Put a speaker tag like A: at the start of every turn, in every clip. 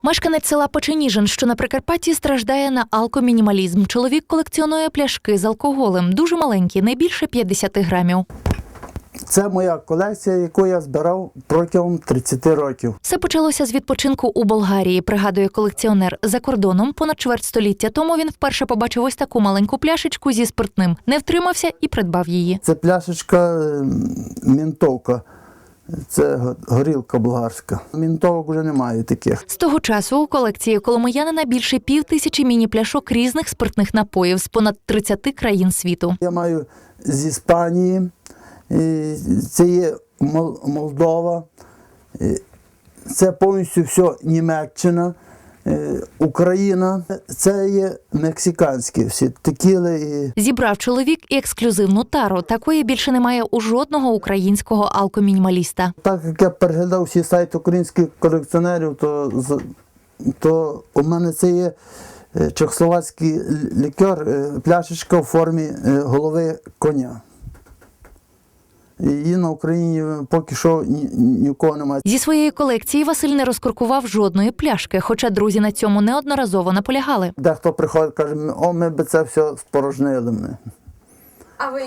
A: Мешканець села Печеніжин, що на Прикарпатті, страждає на алкомінімалізм. Чоловік колекціонує пляшки з алкоголем. Дуже маленькі, не більше 50 грамів.
B: Це моя колекція, яку я збирав протягом 30 років.
A: Все почалося з відпочинку у Болгарії, пригадує колекціонер. За кордоном понад чверть століття тому він вперше побачив ось таку маленьку пляшечку зі спиртним. Не втримався і придбав її.
B: Це пляшечка мінтовка. Це горілка болгарська. Мінтовок вже немає таких.
A: З того часу у колекції коломиянина більше 5000 міні-пляшок різних спиртних напоїв з понад 30 країн світу.
B: Я маю з Іспанії, це є Молдова, це повністю все Німеччина, Україна. Це є мексиканські всі текіли.
A: Зібрав чоловік і ексклюзивну тару. Такої більше немає у жодного українського алкомінімаліста.
B: Так як я переглядав всі сайти українських колекціонерів, то у мене це є чехословацький лікер, пляшечка в формі голови коня. Її на Україні поки що нікого немає.
A: Зі своєї колекції Василь не розкоркував жодної пляшки, хоча друзі на цьому неодноразово наполягали.
B: Дехто приходить, каже, ми би це все спорожнили.
C: А ви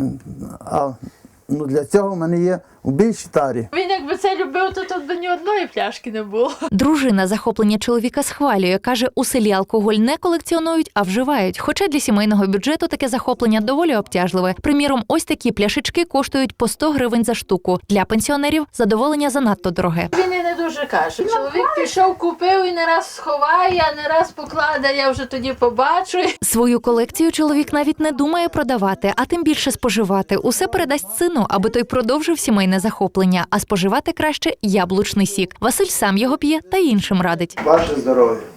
B: Для цього в мене є у більшій тарі.
C: Він якби це любив, то тут би ні одної пляшки не було.
A: Дружина захоплення чоловіка схвалює. Каже, у селі алкоголь не колекціонують, а вживають. Хоча для сімейного бюджету таке захоплення доволі обтяжливе. Приміром, ось такі пляшечки коштують по 100 гривень за штуку. Для пенсіонерів задоволення занадто дороге.
C: Він і не дуже каже. Чоловік пішов, купив і не раз сховає, а не раз покладе, я вже тоді побачу.
A: Свою колекцію чоловік навіть не думає продавати, а тим більше споживати. Усе передасть сину, аби той продовжив сімейне захоплення, а споживати краще яблучний сік. Василь сам його п'є та іншим радить.
B: Ваше здоров'я.